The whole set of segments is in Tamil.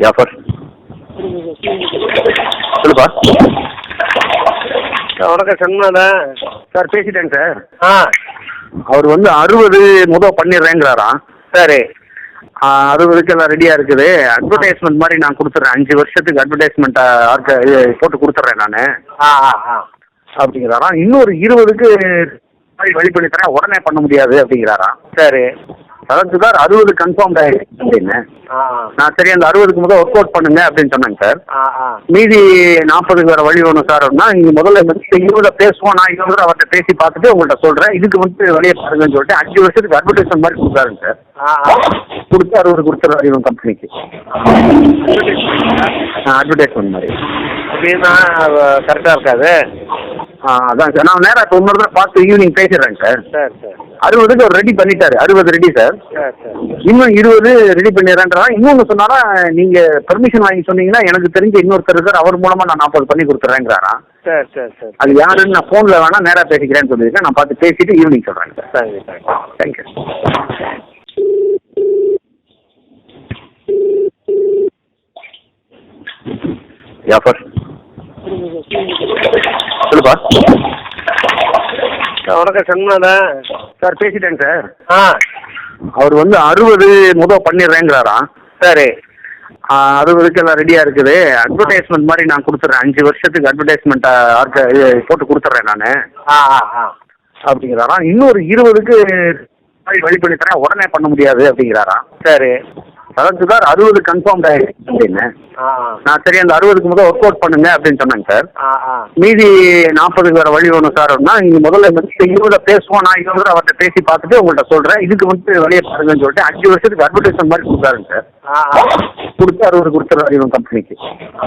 ஜாஃபர் சொல்லுப்பா. வணக்கம் சண்முகா. Sir பேசிட்டேங்க sir. ஆ அவர் வந்து 60 பண்ணிடுறேங்கிறாராம். சரி. 60க்கு எல்லாம் ரெடியாக இருக்குது. அட்வர்டைஸ்மெண்ட் மாதிரி நான் கொடுத்துட்றேன், 5 வருஷத்துக்கு அட்வர்டைஸ்மெண்ட்டாக இது போட்டு கொடுத்துட்றேன் நான் ஆ ஆ ஆ அப்படிங்கிறாராம். இன்னொரு 20க்கு வழி பண்ணி தரேன், உடனே பண்ண முடியாது அப்படிங்கிறாராம். சரி. அதாவது சார் 60 கன்ஃபார்ம் ஆகிடுச்சு அப்படின்னு. ஆ நான் சரி அந்த 60க்கு முதல் ஒர்க் அவுட் பண்ணுங்க அப்படின்னு சொன்னேங்க சார். ஆ ஆ மீதி 40க்கு வேறு வழி வேணும் சார் அப்படின்னா, நீங்கள் முதல்ல வந்து 20 பேசுவோம், நான் 20 அவர்கிட்ட பேசி பார்த்துட்டு உங்கள்கிட்ட சொல்கிறேன், இதுக்கு வந்து வழியை பாருங்கன்னு சொல்லிட்டு 5 வருஷத்துக்கு அட்வர்டைஸ்மெண்ட் மாதிரி கொடுத்தாருங்க சார். ஆ ஆ கொடுத்து 60 கொடுத்துருவாரு இவன் கம்பெனிக்கு. அட்வர்டைஸ்மெண்ட் மாதிரி அப்படின்னா கரெக்டாக இருக்காது. அதான் சார். நான் நேராக இப்போ இன்னொரு தான் பார்த்து ஈவினிங் பேசிடுறேங்க சார். சரி சரி 60க்கு அவர் ரெடி பண்ணிட்டாரு. 60 ரெடி சார். சரி சரி இன்னும் 20 ரெடி பண்ணிடுறேன்றா. இன்னொன்று சொன்னாரா, நீங்கள் பெர்மிஷன் வாங்கி சொன்னீங்கன்னா எனக்கு தெரிஞ்ச இன்னொருத்தர் இருக்கார், அவர் மூலமாக நான் 40 பண்ணி கொடுத்துட்றேங்கிறாராம். சரி சரி சரி அது யாருன்னு நான் ஃபோனில் வேணா நேராக பேசிக்கிறேன்னு சொல்லியிருக்கேன். நான் பார்த்து பேசிட்டு ஈவினிங் சொல்கிறேங்க சார். சரி சரி தேங்க்யூ. ஜாஃபர் சொல்லுப்பா. வணக்கம் சண்முகா. Sir பேசிட்டேங்க sir. ஆ அவர் வந்து 60 பண்ணிடுறேங்கிறாராம். சரி. 60க்கு எல்லாம் ரெடியாக இருக்குது. அட்வர்டைஸ்மெண்ட் மாதிரி நான் கொடுத்துட்றேன், 5 வருஷத்துக்கு அட்வர்டைஸ்மெண்ட்டாக இது போட்டு கொடுத்துட்றேன் நான் ஆ ஆ ஆ அப்படிங்கிறாராம். இன்னொரு 20க்கு வழி பண்ணி தரேன், உடனே பண்ண முடியாது அப்படிங்கிறாராம். சரி. அதாவது சார் 60 கன்ஃபார்ம் ஆகிடுச்சு அப்படின்னு. ஆ ஆ நான் சரி அந்த 60க்கு முதல் ஒர்க் அவுட் பண்ணுங்க அப்படின்னு சொன்னேங்க சார். ஆ ஆ மீதி 40க்கு வேறு வழி வேணும் சார் அப்படின்னா, நீங்கள் முதல்ல வந்து 20 பேசுவோம், நான் 20 அவர்கிட்ட பேசி பார்த்துட்டு உங்கள்கிட்ட சொல்கிறேன், இதுக்கு வந்து வழியை பாருங்கன்னு சொல்லிட்டு 5 வருஷத்துக்கு அட்வர்டைஸ்மெண்ட் மாதிரி கொடுத்தாருங்க சார். ஆ ஆ கொடுத்து 60 கொடுத்துருவாரு இவன் கம்பெனிக்கு.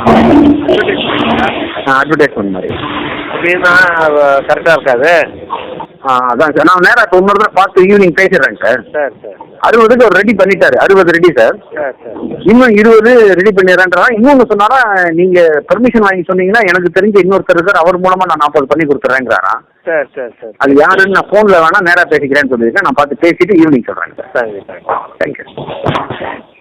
அட்வர்டைஸ்மெண்ட் மாதிரி அப்படின்னா கரெக்டாக இருக்காது. அதான் சார். நான் நேராக இப்போ இன்னொரு தான் பார்த்து ஈவினிங் பேசிடுறேங்க சார். சரி சரி 60க்கு அவர் ரெடி பண்ணிட்டாரு. 60 ரெடி சார். சரி சரி இன்னும் 20 ரெடி பண்ணிடுறேன்றா. இன்னொன்று சொன்னாரா, நீங்கள் பெர்மிஷன் வாங்கி சொன்னீங்கன்னா எனக்கு தெரிஞ்ச இன்னொருத்தர் இருக்கார், அவர் மூலமாக நான் 40 பண்ணி கொடுத்துட்றேங்கிறாராம். சரி சரி சரி அது யாருன்னு நான் ஃபோனில் வேணா நேராக பேசிக்கிறேன்னு சொல்லியிருக்கேன். நான் பார்த்து பேசிட்டு ஈவினிங் சொல்கிறேங்க சார். சரி சரி தேங்க்யூ.